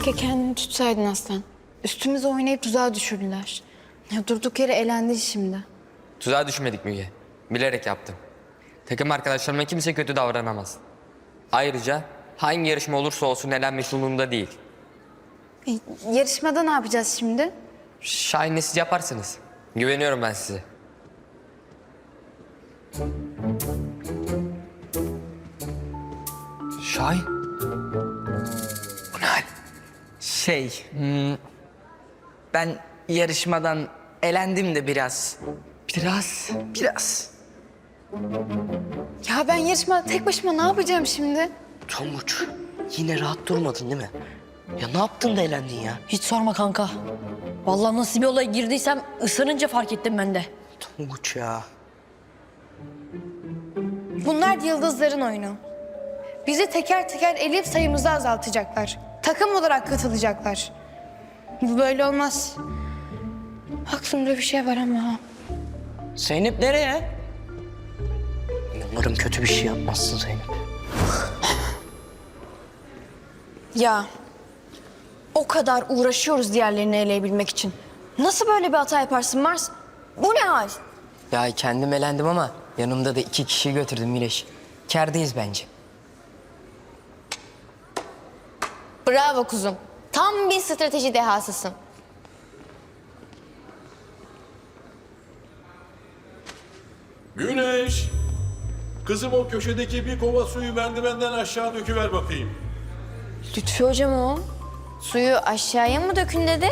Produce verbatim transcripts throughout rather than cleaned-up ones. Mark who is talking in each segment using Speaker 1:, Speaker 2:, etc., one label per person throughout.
Speaker 1: Keşke kendini tutsaydın Aslan. Üstümüze oynayıp tuzağa düşürdüler. Ya durduk yere elendi şimdi.
Speaker 2: Tuzağa düşmedik Müge. Bilerek yaptım. Takım arkadaşlarıma kimse kötü davranamaz. Ayrıca hangi yarışma olursa olsun elenmek umurumda değil.
Speaker 1: E, yarışmada ne yapacağız şimdi?
Speaker 2: Şahin'le siz yaparsınız. Güveniyorum ben size. Şahin? Bu ne hal?
Speaker 3: Şey, hmm, ben yarışmadan elendim de biraz.
Speaker 2: Biraz.
Speaker 3: Biraz.
Speaker 1: Ya ben yarışmada tek başıma ne yapacağım şimdi?
Speaker 4: Tonguç, yine rahat durmadın değil mi? Ya ne yaptın da elendin ya?
Speaker 5: Hiç sorma kanka. Vallahi nasıl bir olaya girdiysem ısırınca fark ettim ben de.
Speaker 4: Tonguç ya.
Speaker 6: Bunlar yıldızların oyunu. Bizi teker teker eleyip sayımızı azaltacaklar. Takım olarak katılacaklar. Bu böyle olmaz. Aklımda bir şey var ama.
Speaker 4: Zeynep nereye? Umarım kötü bir şey yapmazsın Zeynep.
Speaker 6: Ya o kadar uğraşıyoruz diğerlerini eleyebilmek için. Nasıl böyle bir hata yaparsın Mars? Bu ne hal?
Speaker 3: Ya kendim elendim ama yanımda da iki kişi götürdüm Mileş. Kârdayız bence.
Speaker 6: Bravo kuzum. Tam bir strateji dehasısın.
Speaker 7: Güneş! Kızım o köşedeki bir kova suyu merdivenden aşağı döküver bakayım.
Speaker 6: Lütfü hocam o. Suyu aşağıya mı dökün dedi?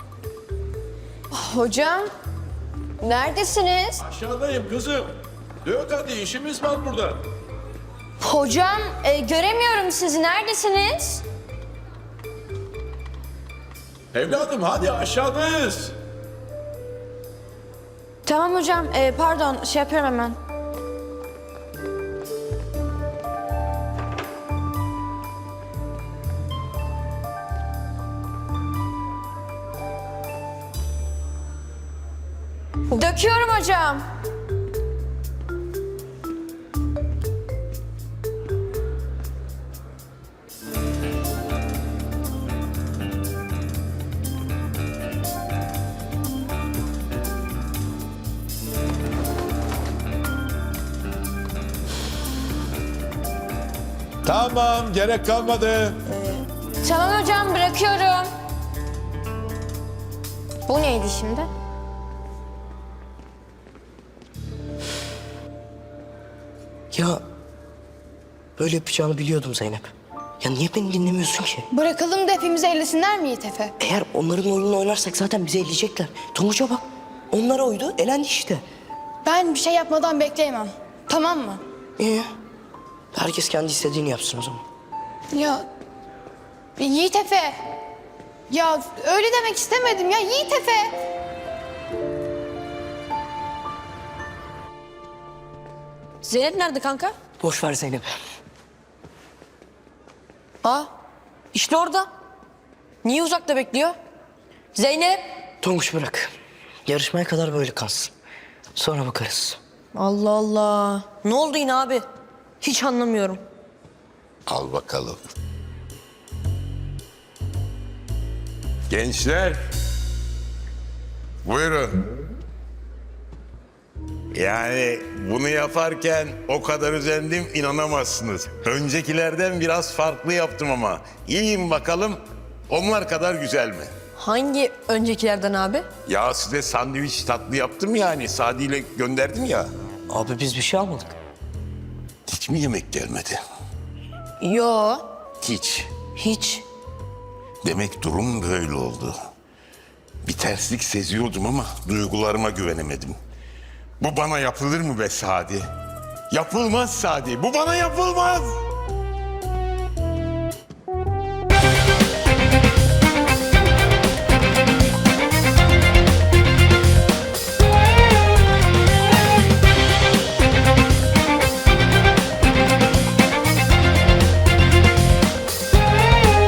Speaker 6: Hocam, neredesiniz?
Speaker 7: Aşağıdayım kızım. Dök hadi işimiz var burada.
Speaker 6: Hocam, e, göremiyorum sizi. Neredesiniz?
Speaker 7: Evladım hadi aşağıdayız.
Speaker 6: Tamam hocam, e, pardon. Şey yapıyorum hemen. Döküyorum hocam.
Speaker 7: Tamam gerek kalmadı.
Speaker 6: Tamam hocam, bırakıyorum. Bu neydi şimdi?
Speaker 4: Ya böyle yapacağını biliyordum Zeynep. Ya niye beni dinlemiyorsun ki?
Speaker 6: Bırakalım da hepimizi ellesinler mi Yiğit Efe?
Speaker 4: Eğer onların oyununu oynarsak zaten bizi elleyecekler. Tonguç'a bak. Onlara uydu, elendi işte.
Speaker 6: Ben bir şey yapmadan bekleyemem. Tamam mı?
Speaker 4: İyi. Herkes kendi istediğini yapsın o zaman.
Speaker 6: Ya Yiğit Efe. Ya öyle demek istemedim ya Yiğit Efe.
Speaker 5: Zeynep nerede kanka?
Speaker 4: Boş ver Zeynep.
Speaker 5: Aa, işte orada. Niye uzakta bekliyor? Zeynep.
Speaker 4: Tonguç bırak. Yarışmaya kadar böyle kalsın. Sonra bakarız.
Speaker 5: Allah Allah. Ne oldu yine abi? Hiç anlamıyorum.
Speaker 7: Al bakalım. Gençler. Buyurun. Yani bunu yaparken o kadar özendim inanamazsınız. Öncekilerden biraz farklı yaptım ama. İyiyim bakalım onlar kadar güzel mi?
Speaker 5: Hangi öncekilerden abi?
Speaker 7: Ya size sandviç tatlı yaptım yani Sadi ile gönderdim ya.
Speaker 4: Abi biz bir şey almadık.
Speaker 7: Hiç mi yemek gelmedi?
Speaker 5: Yo.
Speaker 7: Hiç.
Speaker 5: Hiç.
Speaker 7: Demek durum böyle oldu. Bir terslik seziyordum ama duygularıma güvenemedim. Bu bana yapılır mı be Sadi? Yapılmaz Sadi, bu bana yapılmaz.